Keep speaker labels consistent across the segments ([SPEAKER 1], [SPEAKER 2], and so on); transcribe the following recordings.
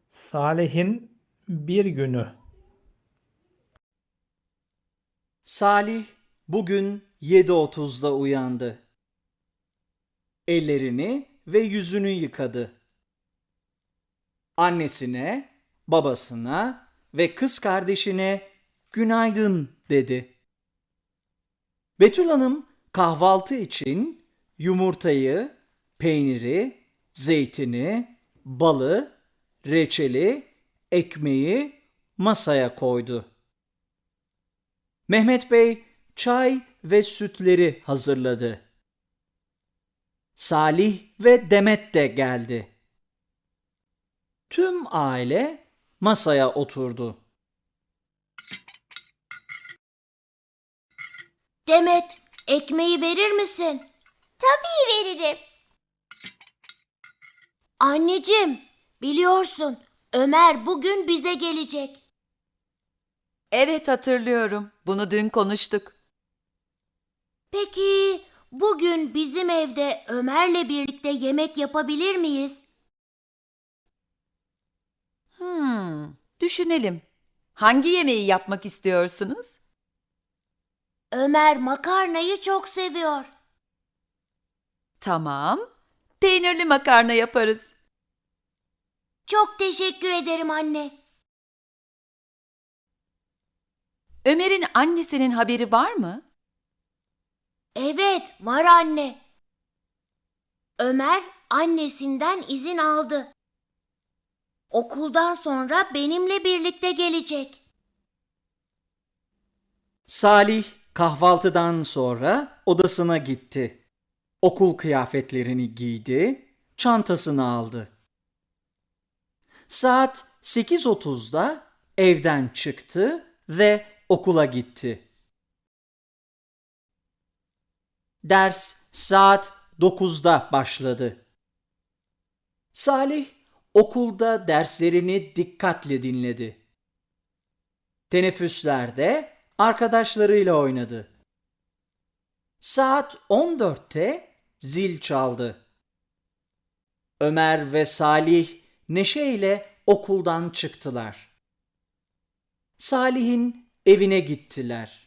[SPEAKER 1] Salih'in bir günü.
[SPEAKER 2] Salih bugün 7:30'da uyandı. Ellerini ve yüzünü yıkadı. Annesine, babasına ve kız kardeşine günaydın dedi. Betül Hanım kahvaltı için yumurtayı, peyniri, zeytini, balı, reçeli, ekmeği masaya koydu. Mehmet Bey çay ve sütleri hazırladı. Salih ve Demet de geldi. Tüm aile masaya oturdu.
[SPEAKER 3] Demet, ekmeği verir misin?
[SPEAKER 4] Tabii veririm.
[SPEAKER 3] Anneciğim, biliyorsun Ömer bugün bize gelecek.
[SPEAKER 5] Evet hatırlıyorum. Bunu dün konuştuk.
[SPEAKER 3] Peki bugün bizim evde Ömer'le birlikte yemek yapabilir miyiz?
[SPEAKER 5] Düşünelim. Hangi yemeği yapmak istiyorsunuz?
[SPEAKER 3] Ömer makarnayı çok seviyor.
[SPEAKER 5] Tamam. Peynirli makarna yaparız.
[SPEAKER 3] Çok teşekkür ederim anne.
[SPEAKER 5] Ömer'in annesinin haberi var mı?
[SPEAKER 3] Evet, var anne. Ömer annesinden izin aldı. Okuldan sonra benimle birlikte gelecek.
[SPEAKER 2] Salih kahvaltıdan sonra odasına gitti. Okul kıyafetlerini giydi, çantasını aldı. Saat 8:30'da evden çıktı ve okula gitti. Ders saat 9'da başladı. Salih okulda derslerini dikkatle dinledi. Teneffüslerde arkadaşlarıyla oynadı. Saat 14'te zil çaldı. Ömer ve Salih neşeyle okuldan çıktılar. Salih'in evine gittiler.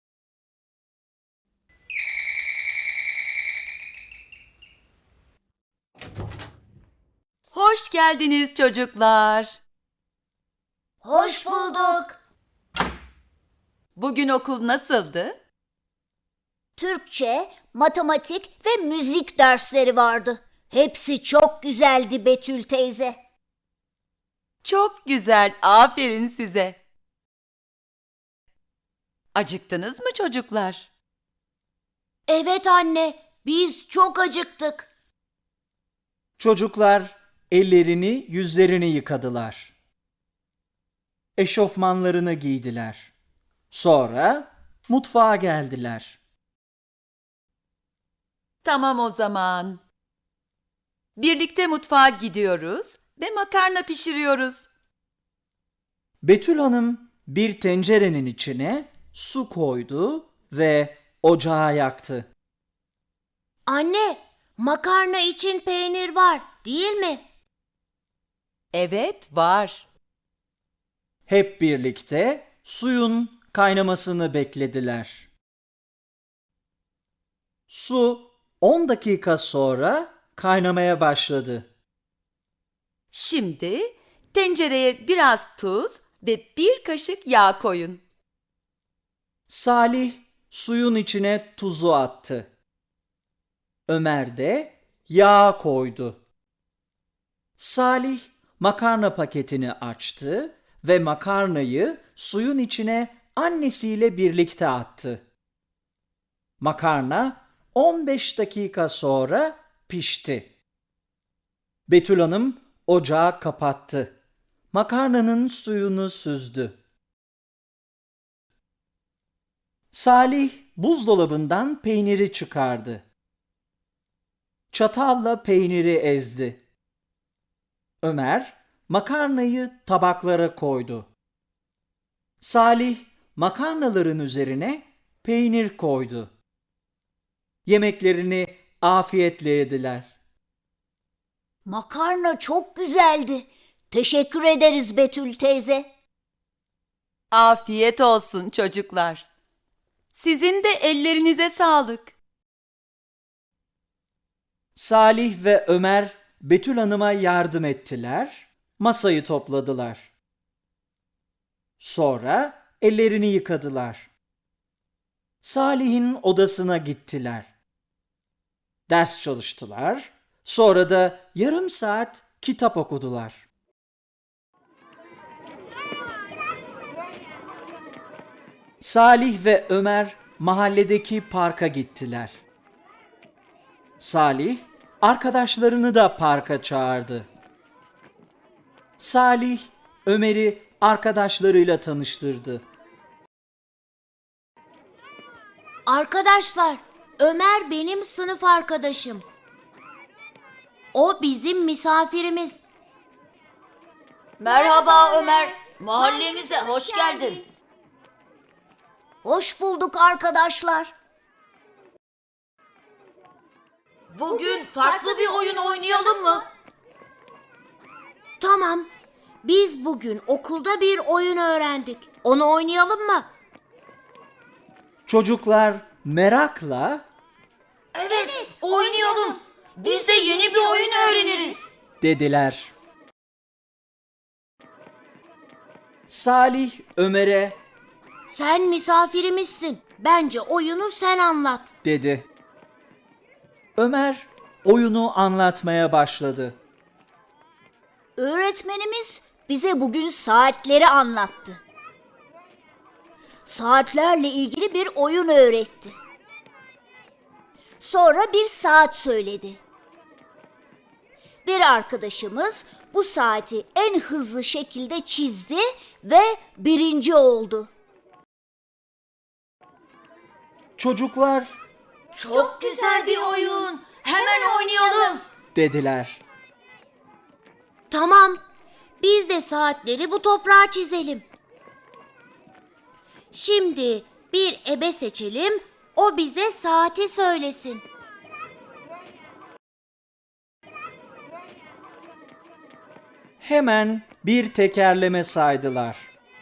[SPEAKER 5] Hoş geldiniz çocuklar.
[SPEAKER 3] Hoş bulduk.
[SPEAKER 5] Bugün okul nasıldı?
[SPEAKER 4] Türkçe, matematik ve müzik dersleri vardı. Hepsi çok güzeldi Betül teyze.
[SPEAKER 5] Çok güzel. Aferin size. Acıktınız mı çocuklar?
[SPEAKER 3] Evet anne, biz çok acıktık.
[SPEAKER 2] Çocuklar ellerini, yüzlerini yıkadılar. Eşofmanlarını giydiler. Sonra mutfağa geldiler.
[SPEAKER 5] Tamam o zaman. Birlikte mutfağa gidiyoruz ve makarna pişiriyoruz.
[SPEAKER 2] Betül Hanım bir tencerenin içine su koydu ve ocağı yaktı.
[SPEAKER 3] Anne, makarna için peynir var, değil mi?
[SPEAKER 5] Evet, var.
[SPEAKER 2] Hep birlikte suyun kaynamasını beklediler. Su 10 dakika sonra kaynamaya başladı.
[SPEAKER 5] Şimdi tencereye biraz tuz ve bir kaşık yağ koyun.
[SPEAKER 2] Salih suyun içine tuzu attı. Ömer de yağ koydu. Salih makarna paketini açtı ve makarnayı suyun içine annesiyle birlikte attı. Makarna 15 dakika sonra pişti. Betül Hanım ocağı kapattı. Makarnanın suyunu süzdü. Salih buzdolabından peyniri çıkardı. Çatalla peyniri ezdi. Ömer makarnayı tabaklara koydu. Salih makarnaların üzerine peynir koydu. Yemeklerini afiyetle yediler.
[SPEAKER 4] Makarna çok güzeldi. Teşekkür ederiz Betül teyze.
[SPEAKER 5] Afiyet olsun çocuklar. Sizin de ellerinize sağlık.
[SPEAKER 2] Salih ve Ömer Betül Hanım'a yardım ettiler, masayı topladılar. Sonra ellerini yıkadılar. Salih'in odasına gittiler. Ders çalıştılar, sonra da yarım saat kitap okudular. Salih ve Ömer mahalledeki parka gittiler. Salih arkadaşlarını da parka çağırdı. Salih Ömer'i arkadaşlarıyla tanıştırdı.
[SPEAKER 3] Arkadaşlar, Ömer benim sınıf arkadaşım. O bizim misafirimiz.
[SPEAKER 1] Merhaba Ömer, mahallemize hoş geldin.
[SPEAKER 4] Hoş bulduk arkadaşlar.
[SPEAKER 1] Bugün farklı bir oyun oynayalım mı?
[SPEAKER 3] Tamam, biz bugün okulda bir oyun öğrendik. Onu oynayalım mı?
[SPEAKER 2] Çocuklar merakla
[SPEAKER 1] Evet, oynayalım. Biz de yeni bir oyun öğreniriz.
[SPEAKER 2] dediler. Salih Ömer'e
[SPEAKER 3] Sen misafirimizsin. Bence oyunu sen anlat.
[SPEAKER 2] dedi. Ömer oyunu anlatmaya başladı.
[SPEAKER 4] Öğretmenimiz bize bugün saatleri anlattı. Saatlerle ilgili bir oyun öğretti. Sonra bir saat söyledi. Bir arkadaşımız bu saati en hızlı şekilde çizdi ve birinci oldu.
[SPEAKER 2] Çocuklar
[SPEAKER 1] Çok güzel bir oyun. Hemen oynayalım.
[SPEAKER 2] dediler.
[SPEAKER 3] Tamam, biz de saatleri bu toprağa çizelim. Şimdi bir ebe seçelim, o bize saati söylesin.
[SPEAKER 2] Hemen bir tekerleme saydılar.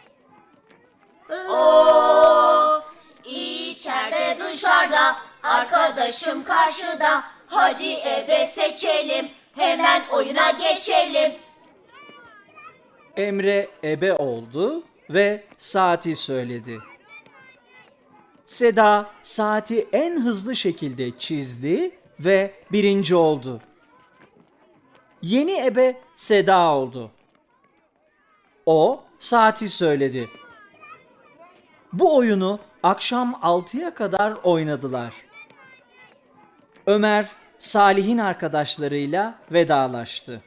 [SPEAKER 1] İçeride dışarıda, arkadaşım karşıda. Hadi ebe seçelim, hemen oyuna geçelim.
[SPEAKER 2] Emre ebe oldu ve saati söyledi. Seda saati en hızlı şekilde çizdi ve birinci oldu. Yeni ebe Seda oldu. O saati söyledi. Bu oyunu akşam 6'ya kadar oynadılar. Ömer Salih'in arkadaşlarıyla vedalaştı.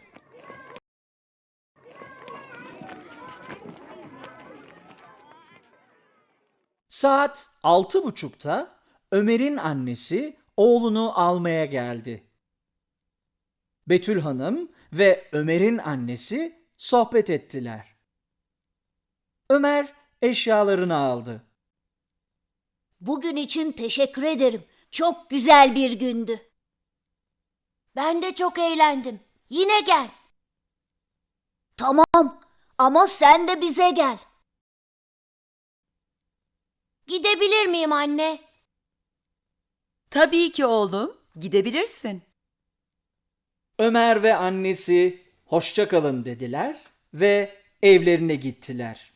[SPEAKER 2] Saat 6.30'da Ömer'in annesi oğlunu almaya geldi. Betül Hanım ve Ömer'in annesi sohbet ettiler. Ömer eşyalarını aldı.
[SPEAKER 4] Bugün için teşekkür ederim. Çok güzel bir gündü.
[SPEAKER 3] Ben de çok eğlendim. Yine gel.
[SPEAKER 4] Tamam ama sen de bize gel.
[SPEAKER 3] Gidebilir miyim anne?
[SPEAKER 5] Tabii ki oğlum, gidebilirsin.
[SPEAKER 2] Ömer ve annesi hoşça kalın dediler ve evlerine gittiler.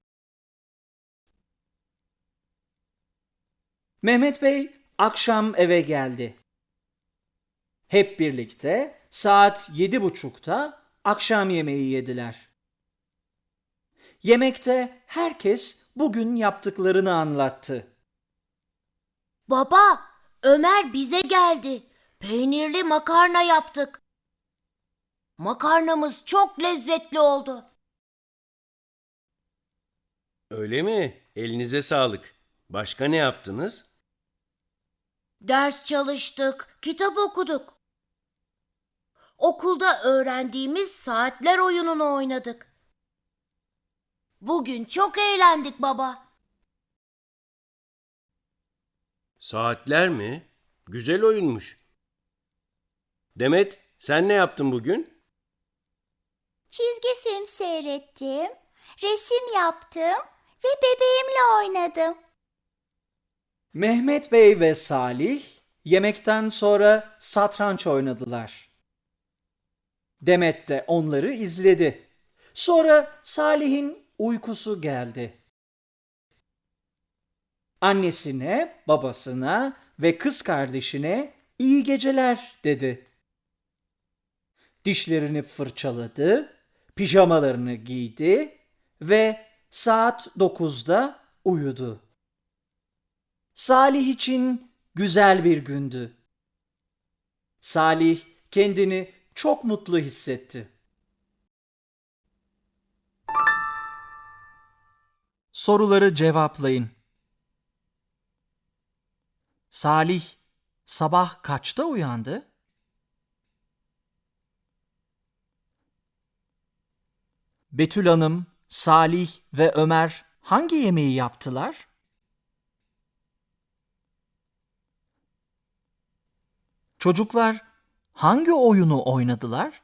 [SPEAKER 2] Mehmet Bey akşam eve geldi. Hep birlikte saat 7.30'da akşam yemeği yediler. Yemekte herkes bugün yaptıklarını anlattı.
[SPEAKER 3] Baba, Ömer bize geldi. Peynirli makarna yaptık. Makarnamız çok lezzetli oldu.
[SPEAKER 6] Öyle mi? Elinize sağlık. Başka ne yaptınız?
[SPEAKER 3] Ders çalıştık, kitap okuduk. Okulda öğrendiğimiz saatler oyununu oynadık. Bugün çok eğlendik baba.
[SPEAKER 6] Saatler mi? Güzel oyunmuş. Demet, sen ne yaptın bugün?
[SPEAKER 7] Çizgi film seyrettim, resim yaptım ve bebeğimle oynadım.
[SPEAKER 2] Mehmet Bey ve Salih yemekten sonra satranç oynadılar. Demet de onları izledi. Sonra Salih'in uykusu geldi. Annesine, babasına ve kız kardeşine iyi geceler dedi. Dişlerini fırçaladı, pijamalarını giydi ve saat 9'da uyudu. Salih için güzel bir gündü. Salih kendini çok mutlu hissetti. Soruları cevaplayın. Salih sabah kaçta uyandı? Betül Hanım, Salih ve Ömer hangi yemeği yaptılar? Çocuklar hangi oyunu oynadılar?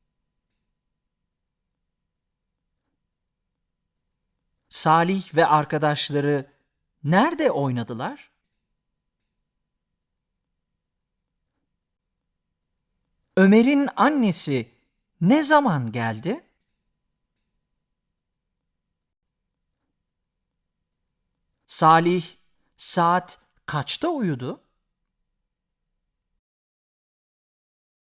[SPEAKER 2] Salih ve arkadaşları nerede oynadılar? Ömer'in annesi ne zaman geldi? Salih saat kaçta uyudu?